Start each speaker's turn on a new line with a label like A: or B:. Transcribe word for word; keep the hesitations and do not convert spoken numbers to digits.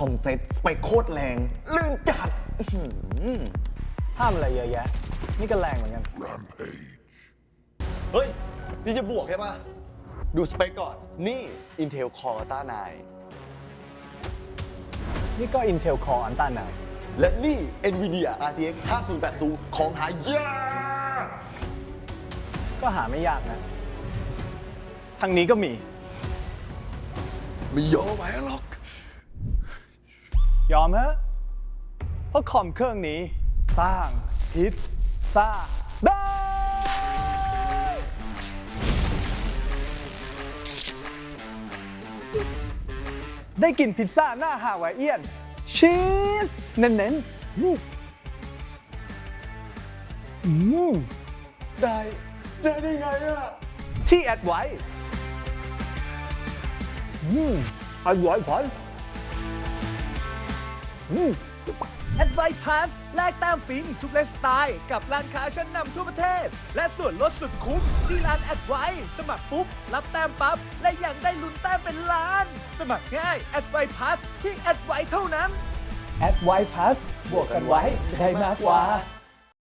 A: อมเซ็ตสเปคโคตรแรงลื่นจัดอื้อหือ
B: ห้ามอะไรเยอะแยะ นี่ก็แรงเหมือนกัน
C: เฮ้ย นี่จะบวกใช่ปะดูสเปคก่อน นี่ Intel Core อัลต้า ไนน์
B: นี่ก็ Intel Core Ultra ไนน์
C: และนี่ NVIDIA อาร์ ที เอ็กซ์ ห้าศูนย์แปดศูนย์ ของหายาก
B: ก็หาไม่ยากนะ ทางนี้ก็มี
C: ไม่ยอมแพ้หรอก
B: ยอมฮะ เพราะคอมเครื่องนี้สร้างพิซซ่าได้ ได้กินพิซซ่าหน้าฮาวายเอียน ชีสเน้นๆอืมอืม
C: ได้ ได้ได้ไงอะ
B: ที่แอดไว้อืมอร่อยพอนอืม
D: แอดไวพาสแลกแต้มฟินทุกไลฟ์สไตล์กับร้านค้าชั้นนำทั่วประเทศ และส่วนลดสุดคุ้มที่ร้านแอดไวสมัครปุ๊บ รับแต้มปั๊บ และยังได้ลุ้นแต้มเป็นล้าน สมัครง่ายแอดไวพาสที่แอดไวเท่านั้น
B: แอดไว้พาสบวกกันไว้ได้มากกว่า